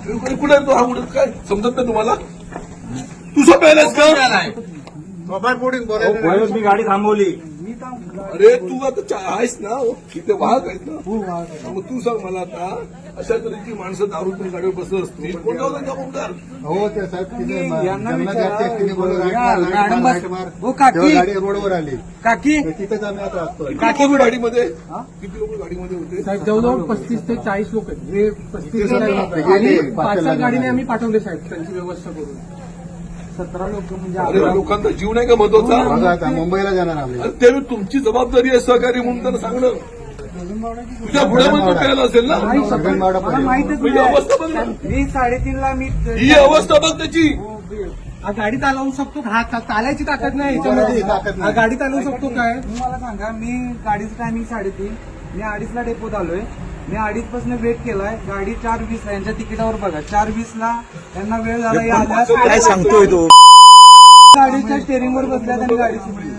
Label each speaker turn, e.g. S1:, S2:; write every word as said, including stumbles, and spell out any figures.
S1: कुठे तो हा उडत काय समजत नाही तुम्हाला? तू प्यायलास का?
S2: मी गाडी थांबवली.
S1: अरे तू आता आहेस ना तिथे वाहक आहेस ना, मग तू सांग मला आता अशा तऱ्हेची माणसं दारू पण गाडीवर बसत असतील, कोण जाऊ त्यांचा ओंकार?
S3: हो ते साहेब तिथे
S4: हो काकी
S3: गाडी रोडवर आली
S4: काकी
S3: तिथेच आम्ही आता असतो.
S1: किती लोक गाडीमध्ये किती लोक गाडीमध्ये होते?
S5: साहेब जवळजवळ पस्तीस ते चाळीस लोक आहेत. हे पस्तीस आणि पाच सात गाडीने आम्ही पाठवले साहेब त्यांची व्यवस्था करून.
S4: सतरा लोक म्हणजे
S1: अरे लोकांचा जीव नाही का महत्वाचा?
S3: बघा आता मुंबईला जाणार आम्ही.
S1: अरे ते तुमची जबाबदारी आहे सहकारी म्हणून त्यांना सांगणं. तुझ्या पुढ्यामध्ये तो प्यायला असेल ना,
S4: मला माहितच
S1: ही अवस्था बघ ना,
S4: मी साडेतीनला मी
S1: ही अवस्था बघ त्याची.
S5: हा गाडी चालवू शकतो का? हा चालायची ताकद नाही याच्यामध्ये. हा गाडी चालवू शकतो काय?
S4: तुम्ही मला सांगा, मी गाडीचं टायमिंग साडेतीन, मी अडीचला डेपोत आलोय. मी अडीच पासून वेट केलाय. गाडी चार वीस ला यांच्या तिकिटावर बघा, चार वीस ला त्यांना वेळ झाला.
S2: काय सांगतोय तो?
S4: गाडीच्या स्टेअरिंगवर बसल्यात आणि गाडी सुटली.